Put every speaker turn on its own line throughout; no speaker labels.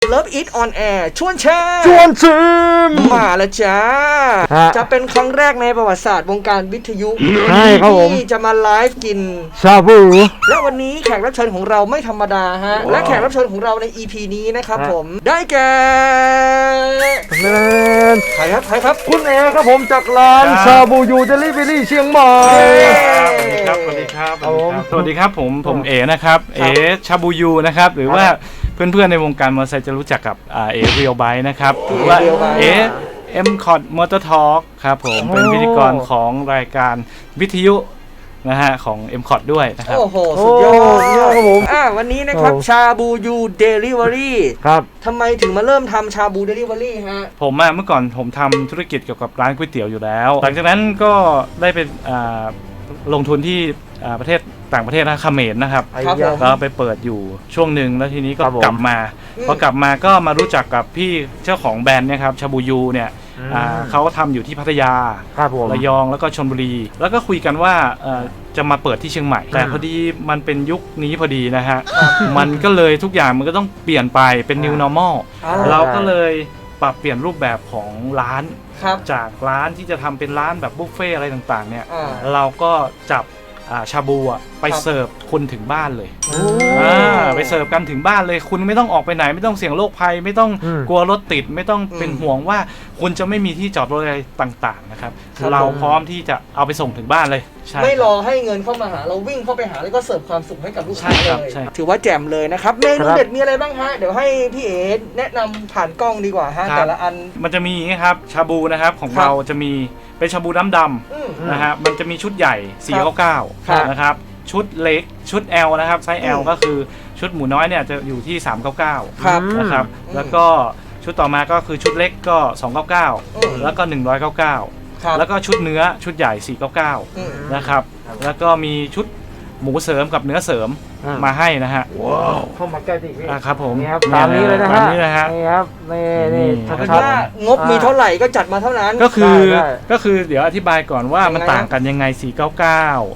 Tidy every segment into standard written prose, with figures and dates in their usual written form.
Love It on Air ชวนแชร์มาแล้วจ้าจะเป็นครั้งแรกในประวัติศาสตร์วงการวิทยุที่จะมาไลฟ์กิน
ชาบู
และวันนี้แขกรับเชิญของเราไม่ธรรมดาฮะและแขกรับเชิญของเราใน EP นี้นะครับผมได้แก่ใครครับ
คุณเอครับผมจากร้านชาบูยูเดลิเวอรี่เชียงใหม่
สวัสดีครับสวัสดีครับผมเอนะครับเอชาบูยูนะครับหรือว่าเพื่อนๆในวงการมอเตอร์ไซค์จะรู้จักกับเอเรียลไบค์นะครับหรือว่าเอMCOT Motor Talk ครับผมเป็นพิธีกรของรายการวิทยุนะฮะของ MCOT ด้วยนะครับ
โอ้โหสุดยอดครับผมวันนี้นะครับชาบูยูเดลิเวอรี่
ครับ
ทำไมถึงมาเริ่มทำชาบูเดลิเวอรี่ฮะ
ผมเมื่อก่อนผมทำธุรกิจเกี่ยวกับร้านก๋วยเตี๋ยวอยู่แล้วหลังจากนั้นก็ได้ไปลงทุนที่ประเทศต่างประเทศนะเขมรนะครับก็ไปเปิดอยู่ช่วงหนึ่งแล้วทีนี้ก็กลับมาพอกลับมาก็มารู้จักกับพี่เจ้าของแบรนด์เนี่ยครับชาบูยูเนี่ยเขาทำอยู่ที่พัทยาระยองแล้วก็ชลบุรีแล้วก็คุยกันว่าจะมาเปิดที่เชียงใหม่แต่พอดีมันเป็นยุคนี้พอดีนะฮะมันก็เลยทุกอย่างมันก็ต้องเปลี่ยนไปเป็น new normal เราก็เลยปรับเปลี่ยนรูปแบบของร้านจากร้านที่จะทำเป็นร้านแบบบุฟเฟ่อะไรต่างๆเนี่ยเราก็จับชาบูไปเสิร์ฟคุณถึงบ้านเลยไปเสิร์ฟกันถึงบ้านเลยคุณไม่ต้องออกไปไหนไม่ต้องเสี่ยงโรคภัยไม่ต้องกลัวรถติดไม่ต้องเป็นห่วงว่าคุณจะไม่มีที่จอดรถอะไรต่างๆนะครับเราพร้อมที่จะเอาไปส่งถึงบ้านเลย
ไม่รอให้เงินเข้ามาหาเราวิ่งเข้าไปหาแล้วก็เสิร์ฟความสุขให้กับลูกค้าเลยถือว่าแจ่มเลยนะครับเมนูเด็ดมีอะไรบ้างฮะเดี๋ยวให้พี่เอ๋แนะนำผ่านกล้องดีกว่าฮะแต่ละอัน
มันจะมีอย่างนี้ครับชาบูนะครับของเราจะมีเป็นชาบูน้ำดำนะฮะมันจะมีชุดใหญ่499นะครับชุดเล็กชุด L นะครับไซส์ L ก็คือชุดหมูน้อยเนี่ยจะอยู่ที่399นะครับแล้วก็ชุดต่อมาก็คือชุดเล็กก็299แล้วก็199แล้วก็ชุดเนื้อชุดใหญ่499นะครับแล้วก็มีชุดหมูเสริมกับเนื้อเสริมมาให้นะฮะ
เข้ามาใกล้ดิ
ครับผม
ตามนี้เลยนะฮะ
นี่
ครับนี่
ว่างบมีเท่าไหร่ก็จัดมาเท่านั้น
ก็คือเดี๋ยวอธิบายก่อนว่ามันต่างกันยังไง499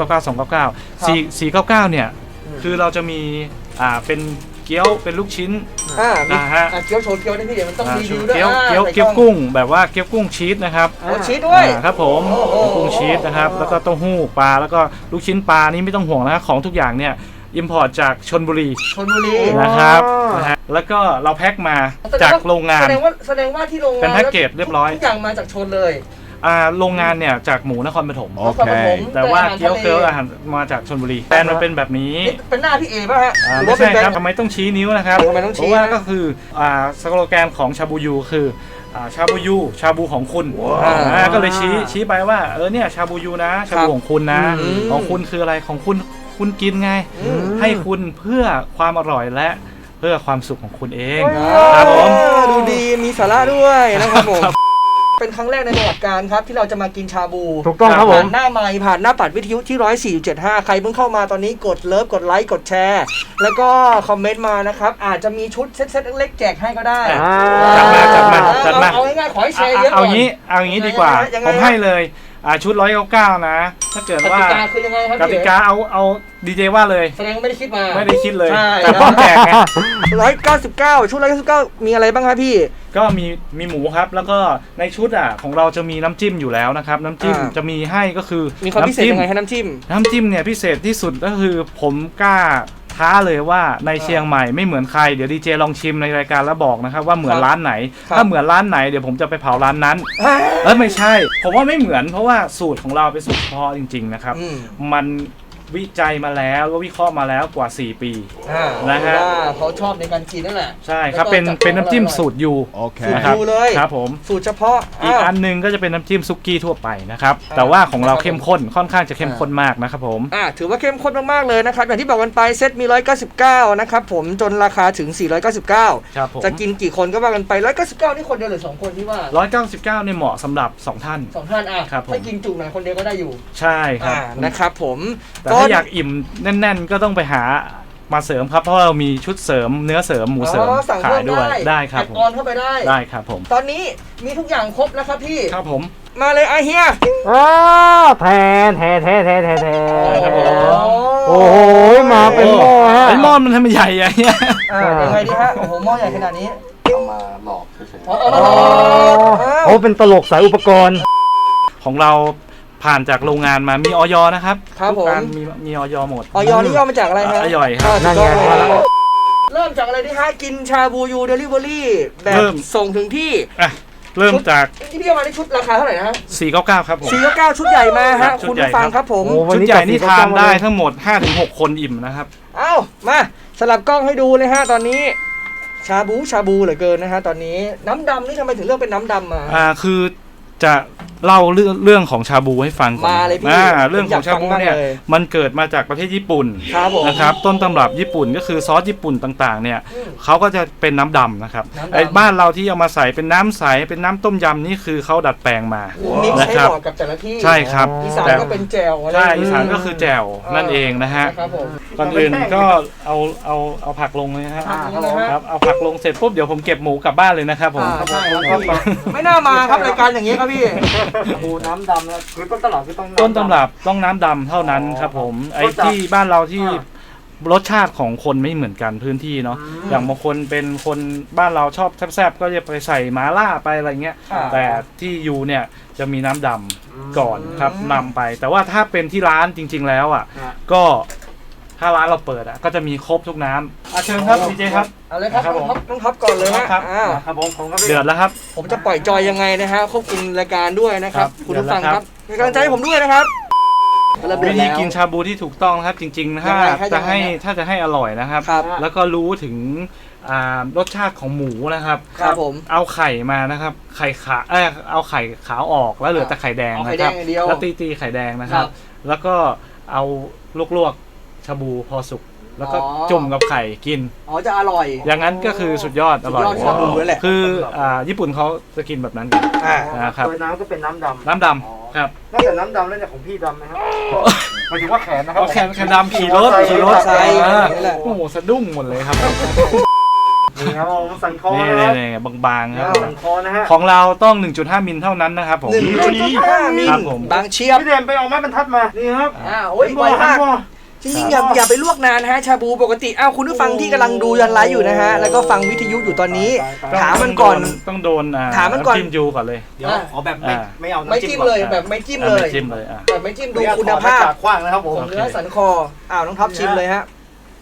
399 299 499เนี่ยคือเราจะมีเป็นเกี๊ยวเป็นลูกชิ้น
นะฮะเกี๊ยวโชว์เกี๊ยวนี่พี่เดี๋ยวมันต้องรีวิวด้วย
เกี๊ยวกุ้งแบบว่าเกี๊ยวกุ้งชีสนะครับ
ชีสด้วย
ครับผมกุ้งชีสนะครับแล้วก็เต้าหู้ปลาแล้วก็ลูกชิ้นปลานี่ไม่ต้องห่วงนะของทุกอย่างเนี่ยอิมพอร์ตจากชลบุรีนะครับแล้วก็เราแพ็คมาจากโรงงาน
แสดงว่าที่โรงงาน
เป็นแพ็คเกจเรียบร้อย
ทุกอย่างมาจากชลเลย
โรงงานเนี่ยจากหมูนครปฐมแต่ว่าเกี๊ยวอาหารมาจากชลบุรีแบรนด์มันเป็นแบบนี้
เป็นหน้าพี่เอป่ะฮะ
ไม่ใช่ครับทำไมต้องชี้นิ้วนะครับเพราะว่าก็คือสโลแกนของชาบูยูคือชาบูยูชาบูของคุณก็เลยชี้ไปว่าเนี่ยชาบูยูนะชาบูของคุณนะของคุณคืออะไรของคุณกินไงให้คุณเพื่อความอร่อยและเพื่อความสุขของคุณเองครับผม
ดูดีมีสาระด้วยนะครับผมเป็นครั้งแรกในประวัติการครับที่เราจะมากินชาบู
ถูกต้องครับผม
ผ่านหน้าไมค์ผ่านหน้าปัดวิทยุที่104.75ใครเพิ่งเข้ามาตอนนี้กดเลิฟกดไลค์กดแชร์แล้วก็คอมเมนต์มานะครับอาจจะมีชุดเซ็ตเล็กๆแจกให้ก็ได้
จัดมา
เอาง่ายๆขอให้แชร์เยอะ
เอาอย่างนี้ดีกว่าผมให้เลยชุด199นะถ้าเกิดว่าก
ติกาคือยังไงครับ
กติกาเอาดีเจว่าเลย
แสดงไม่ได้คิดมา
ไม่ได้คิดเลยแต่พร้อมแจกไง
199ชุด199มีอะไรบ้างครับพี่
ก็มีหมูครับแล้วก็ในชุดของเราจะมีน้ำจิ้มอยู่แล้วนะครับน้ำจิ้มจะมีให้ก็คือ
มีความพิเศษยังไงให้น้ำจิ้
มเนี่ยพิเศษที่สุดก็คือผมกล้าท้าเลยว่าในเชียงใหม่ไม่เหมือนใครเดี๋ยวดีเจลองชิมในรายการแล้วบอกนะครับว่าเหมือนร้านไหนถ้าเหมือนร้านไหนเดี๋ยวผมจะไปเผาร้านนั้นไม่ใช่ผมว่าไม่เหมือนเพราะว่าสูตรของเราเป็นสูตรเฉพาะจริงๆนะครับมันวิจัยมาแล้วก็วิเคราะห์มาแล้วกว่า4ปี
นะฮะเขาชอบในการกินนั่นแหละ
ใช่ครับเป็นน้ำจิ้มสูตรยู
นะครับ
เลยครับผม
สูตรเฉพาะ
อีกอันนึงก็จะเป็นน้ำจิ้มซุกี้ทั่วไปนะครับแต่ว่าของเราเข้มข้นค่อนข้างจะเข้มข้นมากนะครับผม
ถือว่าเข้มข้นมากๆเลยนะครับอย่างที่บอกกันไปเซตมี199นะครับผมจนราคาถึง499จะกินกี่คนก็ว่ากันไป199นี่คนเดียวหรือ2คนที่ว่า
199เนี่ยเหมาะสำหรับ2ท่าน
ถ้ากินจุไหนคนเดียวก็ได้อยู่
ใช่ครับ
นะครับผม
ถ้าอยากอิ่มแน่นๆก็ต้องไปหามาเสริมครับเพราะเรามีชุดเสริมเนื้อเสริมหมูเสริมขายด้วยได้ครับ
ออนเข้าไปได้
ครับผม
ตอนนี้มีทุกอย่างครบแล้วครับพี่
ครับผม
มาเลยไอเฮีย
แทน
ครับผม
โอ้โหมาเป็นหม้อฮะ
ไอ้หม้อมันทำไมใหญ่อะเนี่ย
ยังไงดีฮะโอ้โหหม้อใหญ่ขนาดนี้
เอามาหลอกเฉย
เอามาลอง
โอ้เป็นตลกสายอุปกรณ์
ของเราผ่านจากโรงงานมามีออยนะครับ
ครับผม
ทุกอันมีออยหมด
ออยนี่ย่อมาจากอะไรฮะ
อร่อยครับ
นั่นไง
เริ่มจากอะไรดีฮะกินชาบูยูเดลิเวอรี่แบบ
เริ่ม
ส่งถึงที่
อ่ะเริ่มจาก
ที่พี่เอามาในชุดราคาเท่าไหร่นะฮะ
499ครับผม
499ชุดใหญ่มา
ครั
ฮะ
บชุ
คุ
ด
ณ
ใหญ่
ผู้ฟัง
ครับ
ครับผม
โอ้
ชุดใหญ่นี่ทานได้ทั้งหมด 5-6 คนอิ่มนะครับ
เอ้ามาสลับกล้องให้ดูเลยฮะตอนนี้ชาบูเหลือเกินนะฮะตอนนี้น้ำดำนี่ทำไมถึงเลือกเป็นน้ำดำมา
คือจะเล่าเรื่องของชาบูให้ฟังก่อน
มาเลยพี่
เรื่องของชาบูเนี่ย
ผมอยากฟังมากเลย
มันเกิดมาจากประเทศญี่ปุ่น
ครับผม
นะครับต้นตำรับญี่ปุ่นก็คือซอสญี่ปุ่นต่างๆเนี่ยเขาก็จะเป็นน้ำดำนะครับ
น้ำดำ
ไอ้บ้านเราที่เอามาใส่เป็นน้ำใสเป็นน้ำต้มยำนี่คือเขาดัดแปลงมา
มิกซ์
นะ
ให้
ครับ
เหมาะกับแต่ละที่
ใช่ครับ
อีสาน
แต่
ก็เป็นแจ่วอะไร
ใช่อีสานก็คือแจ่วนั่นเองนะฮะ
ครับผม
ก่อนอื่นก็เอาผักลงเลยนะฮะ
ครับผม
ครับเอาผักลงเสร็จปุ๊บเดี๋ยวผมเก็บหมูกลับบ้านเลยนะครับผม
ใช่ครับไม่น่ามาครับรายการอย่างนี้ครับพี่
บูน้ำดำนะคือต้นตลาดคือต้อง
ต้นตำรับต้องน้ำดำเท่านั้นครับผมไอ้ที่บ้านเราที่รสชาติของคนไม่เหมือนกันพื้นที่เนาะอย่างบางคนเป็นคนบ้านเราชอบแซ่บๆก็จะไปใส่หมาล่าไปอะไรเงี้ยแต่ที่ยูเนี่ยจะมีน้ำดำก่อนครับนำไป แต่ว่าถ้าเป็นที่ร้านจริง ๆแล้วอ่ะก็ถ้าร้านเราเปิดอ่ะก็จะมีครบทุกน้ำเชิญครับดีเจครับ
เอาเลยครับ
ครับผม
ต้องท็อปก่อนเลยฮะ
ครับ
อ้าว
ครับผมครับ
เดือดแล้วครับ
ผมจะปล่อยจอยยังไงนะฮะควบคุมรายการด้วยนะครับ
ครับ
คุณผู้ฟัง
เดี๋ยว
ค
นะครั
รับบ เป็นกำลังใจให้ผมด้วยนะครับเริ่มเดื
วิ
อด
ธี
แล้ว
กินชาบูที่ถูกต้องนะครับจริงๆถ้า
ยังไงฮะ
จะให้
ยังไงฮะ
ถ้าจะให้อร่อยนะครับ
ครับ
แล้วก็รู้ถึงรสชาติของหมูนะครับ
ครับผม
เอาไข่มานะครับไข่ขาเอาไข่ขาวออกแล้วเหลือแต่ไข่แดง
เอาไข่
นะ
แด
ครับ
งอย่างเดียว
แล้วตีไข่แดงนะครับ
ครับ
แล้วก็เอาลวกๆชาบูพอสุกแล้วก็
อ๋อ
จุ่มกับไข่กิน
อ๋อจะอร่อย
อย่างนั้นก็คือสุดยอดอร่อย
สุดยอดชาบูเลยแหละ
คือญี่ปุ่นเขาจะกินแบบนั้นกัน นะครับ
โดยน้ำก็เป็นน้ำดำ
น้ำดำครับ
นอกจากน้ำดำแล้วเนี่ยของพี่ดำไหมครับหมายถึงว่าแขนนะครับ
เอาแคนดำขี่รถ
ใส่
อ่า
นี่แหละ
โอ้โหสะดุ้งหมดเลยครับ
นี่ครับผมสันคอ
นี่
นะครับ
บางๆครับ
สันคอนะฮะ
ของเราต้อง 1.5 มิลเท่านั้นนะครับผม
1.5 มิล
ครับผม
บางเชียบ
พี่เดมไปเอาไม้บรรทัดมานี่ครับ
โอ้ยไวมากจริงๆอย่าไปลวกนานนะฮะชาบูปกติคุณผู้ฟังที่กำลังดูยันไลฟ์อยู่นะฮะแล้วก็ฟังวิทยุอยู่ตอนนี้ ถามมันก่อน
ต้องโดน
ถามมันก่อน
ำจิ้มยูก่อนเลย
เดี๋ยวอ๋อแบบไม่เอา
ไม่
น้ำจิ้
จิ้
ม
มเลยแบบไม่จิ้มเลย
ไม่จิ้มเลย
แบบไม่จิ้มดูคุณภาพ
ขว้างนะครับผม
ของเนื้อสันคอน้องท็อปชิมเลยฮะ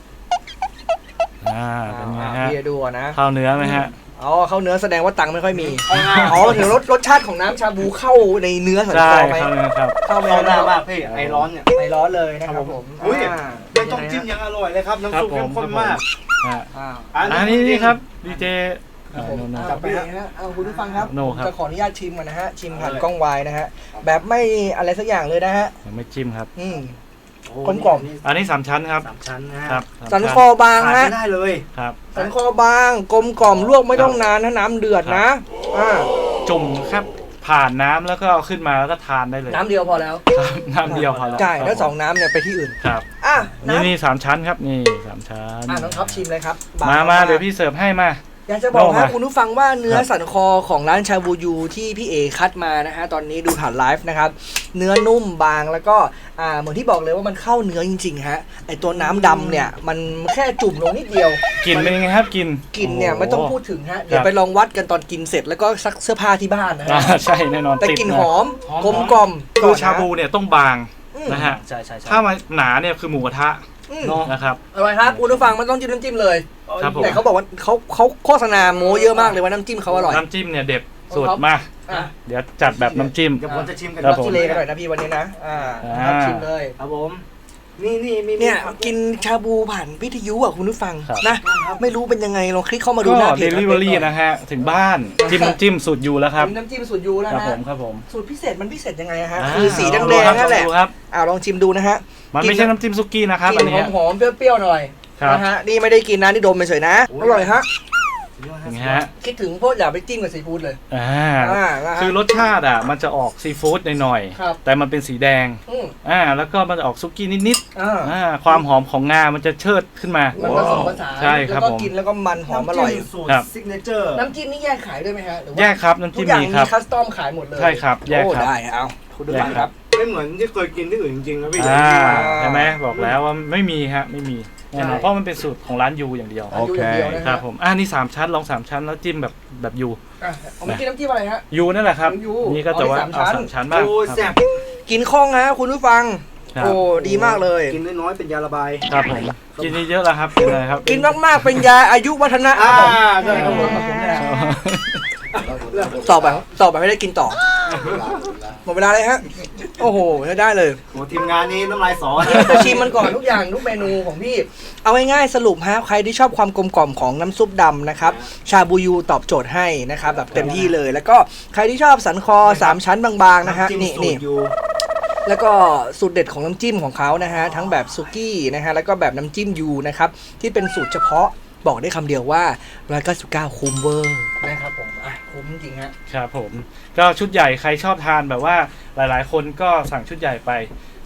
เป็นไงฮะ
พี่ดูก่อนนะ
ข้าวเนื้อไหมฮะ
เข้าเนื้อแสดงว่าตังค์ไม่ค่อยมีถึงรสชาติของน้ำชาบูเข้าในเนื้อสัน
ใช่
คอไหม
ข้าวเนื้อครับ
เข้าไหม
เข้าหน้ามากพี่ไอร้อนเนี่ย
ไม่ร้อนเลยนะครับผม
อุ้ยยังต้องจิ้มยังอร่อยเลยครับน้ำซุปเข้มข้นมาก
อันนี้ครับดีเจ
จับไปฮะคุณผู้ฟังครับ
โน่ครับ
จะขออนุญาตชิมก่อนนะฮะชิมผ่านกล้องวายนะฮะแบบไม่อะไรสักอย่างเลยนะฮะ
ยังไม่จิ้มครับ
กลมกล่อม
อันนี้3ชั้นครับ
3 ชั้นนะฮะ
ครับ
สันคอบาง
ขาด
ฮะ
ไม่ได้เลย
ครับ
สันคอบางกลมกล่อมลวกไม่ต้องนานถ้าน้ำเดือดนะ
จุ่มครับผ่านน้ำแล้วก็เอาขึ้นมาแล้วก็ทานได้เลย
น้ำเดียวพอแล้ว
ครับน้ำเดียวพอแล้ว
ใช่แล้ว2น้ำเนี่ยไปที่อื่น
ครับ
น้ำ
นี่3ชั้นครับนี่3ชั้น
น้องท็อปชิมเลยครับ
มาเดี๋ยวพี่เสิร์ฟให้มา
อยากจะบอก
โน่
ให้
มา
คุณผู้ฟังว่าเนื้อสันคอของร้านชาบูยูที่พี่เอคัดมานะฮะตอนนี้ดูผ่านไลฟ์นะครับเนื้อนุ่มบางแล้วก็เหมือนที่บอกเลยว่ามันเข้าเนื้อจริงๆฮะไอตัวน้ำดำเนี่ยมันแค่จุ่มลงนิดเดียว
กลิ่นเป็นยังไงครับกลิ่น
กลิ่นเนี่ยไม่ต้องพูดถึงฮะเดี๋ยวไปลองวัดกันตอนกินเสร็จแล้วก็ซักเสื้อผ้าที่บ้านนะฮะ
ใช่แน่นอน
แต่กลิ่น
ติด
ห
นะ
อมกลมกล่อม
คือชาบูเนี่ยต้องบางนะฮะ
ใช่ใช่
ถ้ามาหนาเนี่ยคือหมูกระทะนะครับ
อร่อยครับคุณผู้ฟังมันต้องจิ้มน้ำจิ้มเลย
ครับผม
แต่เขาบอกว่าเขาโฆษณาโม้เยอะมากเลยว่าน้ำจิ้มเขาอร่อย
น้ำจิ้มเนี่ยเด็ดสุด
ครับ
มา
อ่ะ
เดี๋ยวจัดแบบน้ำจิ้ม
เดี๋ยวผมจะชิมกัน
ครับ
ชิเลกันหน่อยนะพี่วันนี้นะครับชิมเลย
ครับผมนี่มี
เนี่ยกินชาบูผ่านวิทยุอ่ะคุณผู้ฟัง
ครับ
นะไม่รู้เป็นยังไงลองคลิกเข้ามาดู
ก็
หน้าเพ
เด
จ
ลิเวอรี่นะฮะถึงบ้านจิ้มน้ำจิ้มสูตรยูแล้วครับ
น้ำจิ้มสูตรยูแล้ว
ครับ
นะ
ผมครับผม
สูตรพิเศษมันพิเศษยังไงฮะ
า
คือสีแดงๆนั่นแหละ
ดูครับ
ลองชิมดูนะฮะ
มันไม่ใช่น้ำจิ้มซุกี้นะครับ
ก
อัน
ลิ่น
นี้
หอมๆเปรี้ยวๆหน่อย
ครับ
นะฮะนี่ไม่ได้กินนะนี่ดมเฉยๆนะอร่อยฮะ
อย่างเงี้ยฮะ
คิดถึงพวกอย่าไปจิ้มกับซีฟู้ดเลย
คือรสชาติมันจะออกซีฟู้ดหน่อย
ครับ
ๆแต่มันเป็นสีแดง
อืม
แล้วก็มันจะออกซุกี้นิด
อ่า
ๆความหอมของงามันจะเชิดขึ้นมา
มันผสมผสาน
ใช่ครับ
แล้วก็
ผม
กินแล้วก็มันหอมอร่อย
สูตร
ครับ
ซิกเนเจอร์
น้ำจิ้มนี่แยกขายด้วยไหมฮะหรือว่า
แยกครับน้ำ
ทุ
จิ้
ก
ม
อย่าง
มี
มี
ครับ
คัสตอมขายหมดเลย
ใช่ครับแยก
โอ้
ครับ
ได้เอาคุณดู
แยก
ฟัง
ค
ค
รั
รับ บ
ไม่เหมือนที่เคยกินที่อื่นจริงๆนะพี่
ใช่ไหมบอกแล้วว่าไม่มีฮะไม่มีแน่นอนเพราะมันเป็นสูตรของร้านยูอย่างเดียว
โอเค
ครับผมนี่3ชั้นลอง3ชั้นแล้วจิ้มแบบยู
เอามากินน้ำจิ้มอะไรฮะ
ยูนั่นแหละครับ
ยู
นี่ก็จะว่า
อ๋อนี่
เอา
สามชั้น
3ชั้นบ้าง
โอ้
ครับ
แซ่บ
กินคล่องฮะคุณผู้ฟัง
ครับ
โอ้ดีมากเลย
กินน้อยๆเป็นยาระบาย
ครับผมกินเยอะๆแล้วครับเป็นอะไรครับ
กินมากๆเป็นยาอายุวัฒนะ
ใช่ครับผม
ต่อไปไม่ได้กินต่อหมดเวลาเลยฮะโอ้โหได้เลย
โอ้ทีมงานนี้น้ำลายสอนะ
จะชิมมันก่อนทุกอย่างทุกเมนูของพี่ เอาง่ายๆสรุปฮะใครที่ชอบความกลมกล่อมของน้ำซุปดำนะครับชาบูยูตอบโจทย์ให้นะครับแบบเต็มที่เลย แล้วก็ใครที่ชอบสันคอ3ชั้นบางๆนะฮะ
ำจิ้ม
นี่
สู
นี่
ตรอยู่
แล้วก็สูตรเด็ดของน้ำจิ้มของเขานะฮะทั้งแบบซุกี้นะฮะแล้วก็แบบน้ำจิ้มยูนะครับที่เป็นสูตรเฉพาะบอกได้คำเดียวว่า199คุ้มเวอร์นะครับผมคุ้มจริงฮะ
ครับผมก็ชุดใหญ่ใครชอบทานแบบว่าหลายๆ คนก็สั่งชุดใหญ่ไป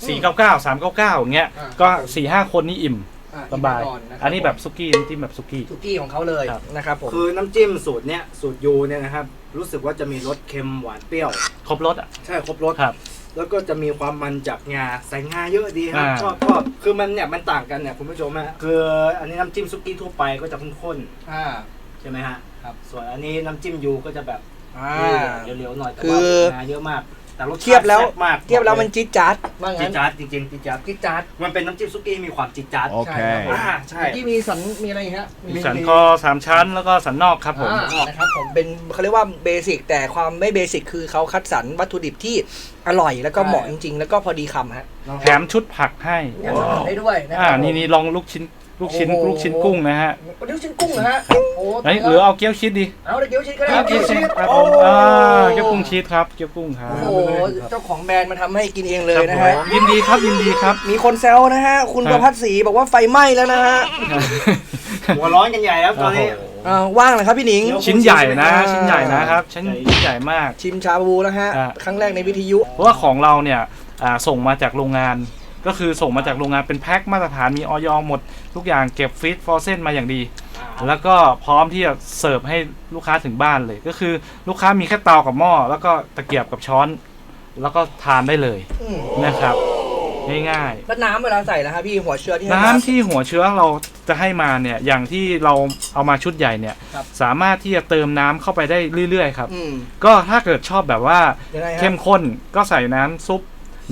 499 399อย่างเงี้ยก็ 4-5 คนนี่อิ่มสบายอันนี้แบบซุกี้น้ำจิ้มแบบซุกี้
ซุกี้ของเขาเลย
ครับ
นะครับผม
คือน้ำจิ้มสูตรเนี้ยสูตรยูเนี่ยนะครับรู้สึกว่าจะมีรสเค็มหวานเปรี้ยว
ครบรสอ่ะ
ใช่ครบรส
ครับ
แล้วก็จะมีความมันจากงาใส่งาเยอะดีครับ
อ่า
ชอบคือมันเนี่ยมันต่างกันเนี่ยคุณผู้ชมฮะคืออันนี้น้ำจิ้มซุกี้ทั่วไปก็จะข้น
อ่า
ๆใช่ไหมฮะ
ครับ
ส่วนอันนี้น้ำจิ้มยูก็จะแบบ เหลวๆหน่อยแต่
คื
ว่า
อ
งาเยอะมากแต่รสชาติ
เทียบแล้ว
ซ่บมาก
เทียบแล้วมันจี๊ดจ๊าดว่า
จิ
งั้น
จาร์ดจริงๆจิจาร์ด
จี๊ดจ๊าด
มันเป็นน้ำจิ้มซุกี้มีความจิจาร์ด
ใช่ครับผม
ใช่
ที่มีสันมีอะไรอีกฮะ
มีสันคอ3ชั้นแล้วก็สันนอกครับผม
นะครับผมเป็นเขาเรียกว่าเบสิกแต่ความไม่เบสิกคือเขาคัดสรรวัตถุดิบที่อร่อยแล้วก็เหมาะจริงๆ แล้วก็พอดีคำฮะ
แถมชุดผักให้
อยากจะทำได้ด้วยนะครั
นี่ลองลูกชิ้น
โอ้โห
ลูกชิ้นกุ้งนะฮะ
ลูกชิ้นกุ้งเหรอฮะโอ้
หรือเอาเกี๊ยวชีสดี
เอาเดี๋ยวเกี๊ยวชีสก็ได้
เกี๊ยวชีสครับ
โอ้
ผมเกี๊ยวกุ้งชีสครับเกี๊ยวกุ้งครับ
โอ้โหเจ้าของแบรนด์มาทำให้กินเองเลยนะ
ครั
ฮะ
บผมยินดีครับยินดีครับ
มีคนแซวนะฮะคุณ
ครั
ป
บ
ระพัฒศรีบอกว่าไฟไหม้แล้วนะฮะ
หัวร้อนกันใหญ่แล้วตอนนี้
ว่างเลยครับพี่หนิง
ชิ้นใหญ่นะ
อ่า
ชิ้นใหญ่นะครับชิ้นใหญ่มาก
ชิมชาบูแล้วฮะ
อ่า
ครั้งแรกในวิทยุ
เพราะว่าของเราเนี่ยส่งมาจากโรงงาน ก็คือส่งมาจากโรงงานเป็นแพ็คมาตรฐานมีออยหมดทุกอย่างเก็บฟรีซฟรอเซนมาอย่างดี แล้วก็พร้อมที่จะเสิร์ฟให้ลูกค้าถึงบ้านเลย ก็คือลูกค้ามีแค่เตากับหม้อแล้วก็ตะเกียบกับช้อน แล้วก็ทานได้เลย
อืม
นะครับง่าย
แล้วน้ำเวลาใส่แล้วครับพี่หัวเชื้อที่
ๆ
ให้
น้ำ
มา
ที่หัวเชื้อเราจะให้มาเนี่ยอย่างที่เราเอามาชุดใหญ่เนี่ย
ครับ
สามารถที่จะเติมน้ำเข้าไปได้เรื่อยๆครับ
อืม
ก็ถ้าเกิดชอบแบบว่า
ยังไงฮะ
เข้มข้นก็ใส่น้ำซุป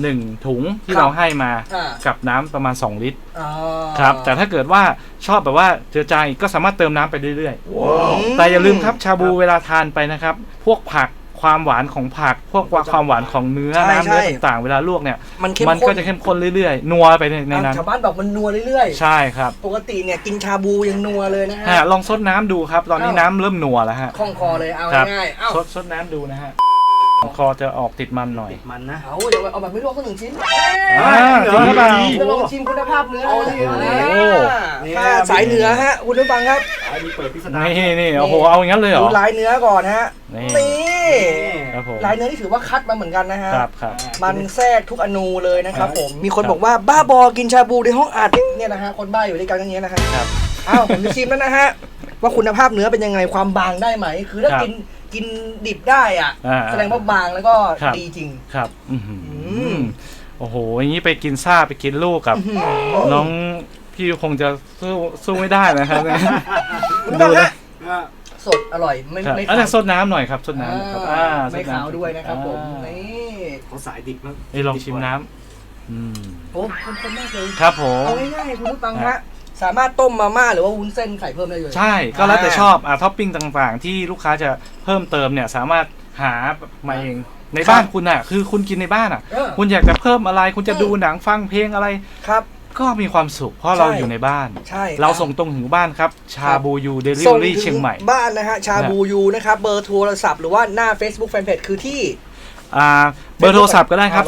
1ถุงที่
ครับ
เราให้มา
อ่า
กับน้ำประมาณ2ลิตร
อ๋อ
ครับแต่ถ้าเกิดว่าชอบแบบว่าเจือจางอีกก็สามารถเติมน้ำไปเรื่อยๆแต่อย่าลืมครับชาบูเวลาทานไปนะครับพวกผักความหวานของผักพวกความหวานของเนื้อน้ำเนื้อต่างๆเวลาลวกเนี่ย
มันเข้ม
มัน
ข้
ก็
น
จะเข้มข้นเรื่อยๆนัวไปในนั้น
ชาวบ้านบอกมันนัวเรื่อย
ใช่ครับ
ๆ ปกติเนี่ยกินชาบูยังนัวเลยนะฮะ
ลองซดน้ำดูครับตอนนี้น้ำเริ่มนัวแล้วฮะ
คล่องคอเลยเอา
ครับ
ง่ายๆเอ้า
ซดน้ำดูนะฮะคอจะออกติดมันหน่อย
มันนะ
เอาเดี๋ยวเอาแบบไม่ลวกสักหนึ่งชิ้น
จริงหรือเปล่า
จะลองชิมคุณภาพเนื้อ
โอ้โห
ถ้าสายเหนือฮะคุณผู้ฟังครับ
อันนี้เปิดพิสดาร
นี่โอ้โหเอาอย่างนั้นเลยเหร
ดู
อ
ลายเนื้อก่อนฮะ
นี่
นี่
ครับผม
ลายเนื้อที่ถือว่าคัดมาเหมือนกันนะฮะ
ครับ
มันแทรกทุกอนูเลยนะครับผม มีคนบอกว่าบ้าบอกินชาบูในห้องอัดเนี่ยนะฮะ คนบ้าอยู่ด้วยกันอย่างเงี้ยนะฮะ
ครับ
อ้าวผมจะชิมแล้วนะฮะ ว่าคุณภาพเนื้อเป็นยังไงความบางได้ไหม คือถ้า
ครับ
กินดิบได้อ่ะ แสดงว่าบางแล้วก็
ครับ
ดีจริง
ครับอื้อหือ
ม
โอ้โหอย่างนี้ไปกินซ่าไปกินลูกกับ น้องพี่คงจะสู้ไม่ได้นะครับ
คุณ
ดู
ผู้ชม
นะ
ฮะสดอร่อยไม่
ครับ
ไม่
แต่
ขาว
ซดน้ำหน่อยครับซดน้ำครับ
ไม่
ซดน้ำ
ขาวด้วยนะครับผม
อ่า
นี่
เขาสายดิบมาก
นี่ลองชิมน้ำ
โอ้คนมากเลย
ครับผม
เอาง่ายๆคุณผู้ฟังฮะสามารถต้มมาม่าหรือว่าวุ้นเส้นใส่เพิ่มได้เลย
ใช่ก็แล้วแต่ชอบท็อปปิ้งต่างๆ ที่ลูกค้าจะเพิ่มเติมเนี่ยสามารถหามาเองในบ้านคุณอ่ะคือคุณกินในบ้านอ่ะ คุณอยากจะเพิ่มอะไรคุณจะดูหนังฟังเพลงอะไร
ครับ
ก็มีความสุขเพราะเราอยู่ในบ้าน
ใช่
เราส่งตรงถึงบ้านครับชาบูยูเดลิเว
ส่
อง รี่
ถึ
เชียงใหม่
บ้านนะฮะชาบูยูนะครับเบอร์โทรศัพท์หรือว่าหน้า Facebook Fanpage คือที่
เบอร์โทรศัพท์ก็ได้ครับ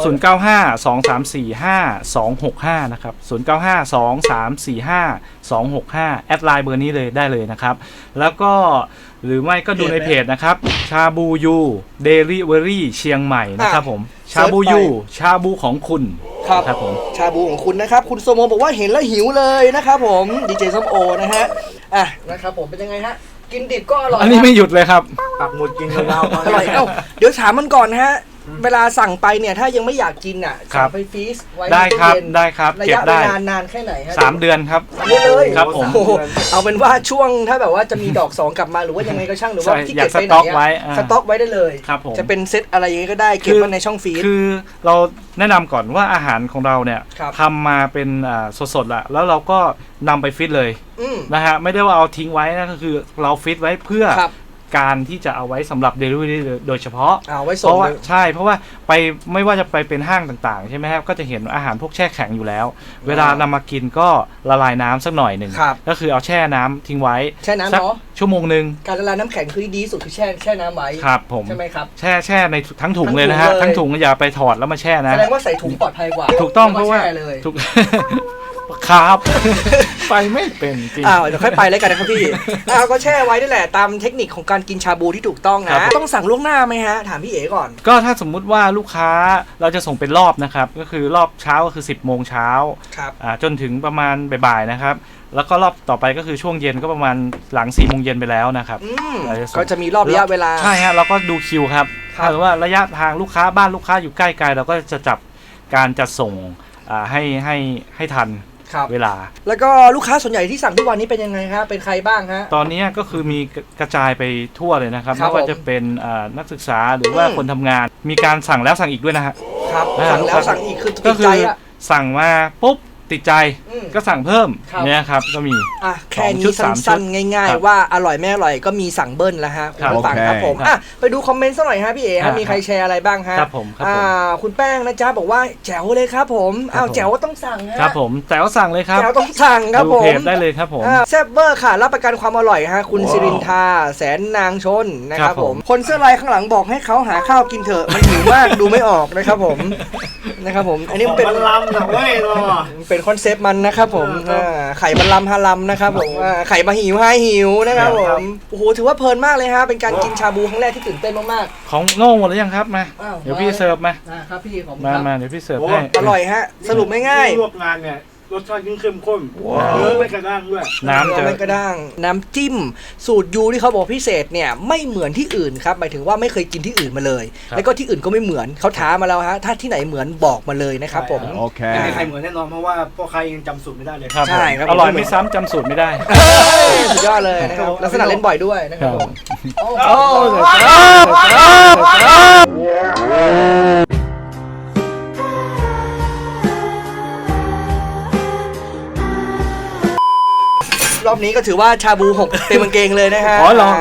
0952345265 นะครับ 0952345265 แอดไลน์เบอร์นี้เลยได้เลยนะครับ แล้วก็หรือไม่ก็ดูในเพจนะครับ ชาบูยูเดลิเวอรี่เชียงใหม่นะครับผม ชาบูยูชาบูของคุณ
ครับ
ผม
ชาบูของคุณนะครับ คุณโซโมบอกว่าเห็นแล้วหิวเลยนะครับผมดีเจส้มโอนะฮะนะครับผมเป็นยังไงฮะกินดิบก็อร่อย
อันนี้ไม่หยุดเลยครับ
ปักหมุดกินยาวๆ
อร่อยเดี๋ยวถามมันก่อนนะฮะเวลาสั่งไปเนี่ยถ้ายังไม่อยากกินอ่ะ
ครั
สั่
บ
งไปฟรีซไว้
ได้ครับ
ในตู้เย็น
ได้ครับ
ระ
เก็บ
ยะเว
ได้
ลานานแค่ไหนฮะ
3 เดือนครับ
เยอะเลย
ครับผม
โอ้โหเอาเป็นว่าช่วงถ้าแบบว่าจะมีดอก 2 กลับมาหรือว่ายังไงก็ช่างหรือว่า
ใช่
ที่
อยา
เก็
ก
บไปไหน
สต็อกไว้
สต็อกไว้ได้เลย
ครับผม
จะเป็นเซตอะไรอย่างงี้ก็ได้เก็บไว้ในช่องฟรีซ
คือเราแนะนำก่อนว่าอาหารของเราเนี่ย
ครับ
ทำมาเป็นสดๆละแล้วเราก็นำไปฟิตเลย นะฮะไม่ได้ว่าเอาทิ้งไว้นะก็คือเราฟิตไว้เพื่อ
ครับ
การที่จะเอาไว้สำหรับ Delivery โดยเฉพาะ
เอาไว้
เพ
ส่ง
ราะว่า
เลย
ใช่เพราะว่าไปไม่ว่าจะไปเป็นห้างต่างๆใช่ไหมครับก็จะเห็นอาหารพวกแช่แข็งอยู่แล้ว เวลานำมากินก็ละลายน้ำสักหน่อยหนึ่ง
ครับ
ก็คือเอาแช่น้ำทิ้งไว้
แช่น้ำ
สัก
เนาะ
ชั่วโมงหนึ่ง
การละลายน้ำแข็งคือที่ดีที่สุดคือแช่น้ำไว้
ครับผม
ใช่ไหมครับ
แช่ในทั้งถุงเลยนะฮะ
ทั้
ทั้
ง
ง
ถุ
ถุ
ง
ง
เลย
อย่าไปถอดแล้วมาแช่นะ
แสดงว่าใส่ถุงปลอดภัยกว่า
ถูกต้อง
แล้
เพราะว่า
แช่เลย
ถูก ครับ ไปไม่เป็นจริง
เดี๋ยวค่อยไปแล้วกันนะครับพี่ก็แช่ไว้นี่แหละตามเทคนิคของการกินชาบูที่ถูกต้อง
ครั
นะ
บ
ต้องสั่งล่วงหน้าไหมฮะถามพี่เอ๋ก่อน
ก็ถ้าสมมุติว่าลูกค้าเราจะส่งเป็นรอบนะครับก็คือรอบเช้าก็คือ 10 โมงเช้า
ครับ
จนถึงประมาณบ่ายๆนะครับแล้วก็รอบต่อไปก็คือช่วงเย็นก็ประมาณหลัง4 โมงเย็นไปแล้วนะครับ เราจะส่ง
ก็จะมีรอบระยะเวลา
ใช่ฮะเราก็ดูคิวครับ
ครับ
ถ้าสมมติว่าระยะทางลูกค้าบ้านลูกค้าอยู่ใกล้ไกลเราก็จะจับการจัดส่งให้ทัน
ครับ
เวลา
แล้วก็ลูกค้าส่วนใหญ่ที่สั่งทุกวันนี้เป็นยังไงครับเป็นใครบ้างฮะ
ตอนนี้ก็คือมีกระจายไปทั่วเลยนะครับ
ครับ
ไม่ว่าจะเป็นนักศึกษาหรือว่าคนทำงาน มีการสั่งแล้วสั่งอีกด้วยนะฮะ
ครับ
อ่า
สั่งแล้วสั่งอีกคือ
ก็
ติด
คื
ใจ
อ
อ่ะ
สั่งมาปุ๊บติดใจ
อืม
ก็สั่งเพิ่ม
ครับ
เนี่ยครับก็มี
แค่
2
นี้
ชุด 3
สั้น
ชุด
ๆง่าย
ครับ
ๆว่าอร่อยไม่อร่อยก็มีสั่งเบิ้ลแล้วฮะคุณ
ครับ
ผู้ฟังครับผม
ครับ
ไปดูคอมเมนต์สักหน่อยฮะพี่เอ๋ฮะมีใครแชร์อะไรบ้างฮะ
ครับผมครับผม
คุณแป้งนะจ๊ะบอกว่าแจ๋วเลยครับผมแจ๋วก็ต้องสั่งฮะ
ครับผมแต่ว่าสั่งเลยครับ
แจ๋วต้องสั่งครับ
ดู
ผม
เพจได้เลยครับผม
แซ่บเวอร์ค่ะ รับประกันความอร่อยฮะคุณสิรินทาแสนนางชนนะครับ
ครับ
ผ
ผม ม
คนเสื้อลายข้างหลังบอกให้เขาหาข้าวกินเถอะมันหิวมาก ดูไม่ออกนะครับผมนะครับผมอันนี้มันเป็น
มันลำนะเว้ยเนาะ
เป็นคอนเซปต์มันนะครับผม
ครับ
ไข่มันลำฮาลัมนะครับผมไข่มาหิวให้หิวนะครับผมโอ้โหถือว่าเพลินมากเลยฮะเป็นการกินชาบูครั้งแรกที่ตื่นเต้นมาก
ของโง่หมดหรือยังครับมา
อ้าว
เดี๋ยวพี่เสิร์ฟมา
ๆครับพี่ผม
มา
ครับ
มาเดี๋ยวพี่เสิร์ฟ
โอ้
ให้
อร่อยฮะสรุปไม่ง่าย
ลวกงานเนี่ยรสชาติยิ่งเข้มข้นเนื้อไม่กระด้างด้วย
น้ำจะ
ไม่กระด้างน้ำจิ้มสูตรยูที่เขาบอกพิเศษเนี่ยไม่เหมือนที่อื่นครับหมายถึงว่าไม่เคยกินที่อื่นมาเลย แล้วก็ที่อื่นก็ไม่เหมือนเขาท้ามาแล้วฮะถ้าที่ไหนเหมือนบอกมาเลยนะครับผม
ไม่มีใครเหมือนแน่นอนเพราะว่าพ่อใครยังจำสูตรไม่ได้เลย
ครับ
ใช่ครับ
อร่อยไม่ซ้ำจำสูตรไม่ได้
สุดยอดเลยนะครับลักษณะเล่นบ่อยด้วยนะครับผม
โอ้
โอ้รอบนี้ก็ถือว่าชาบู6เต็มกางเกงเลยนะฮะ
อ๋อเหรอ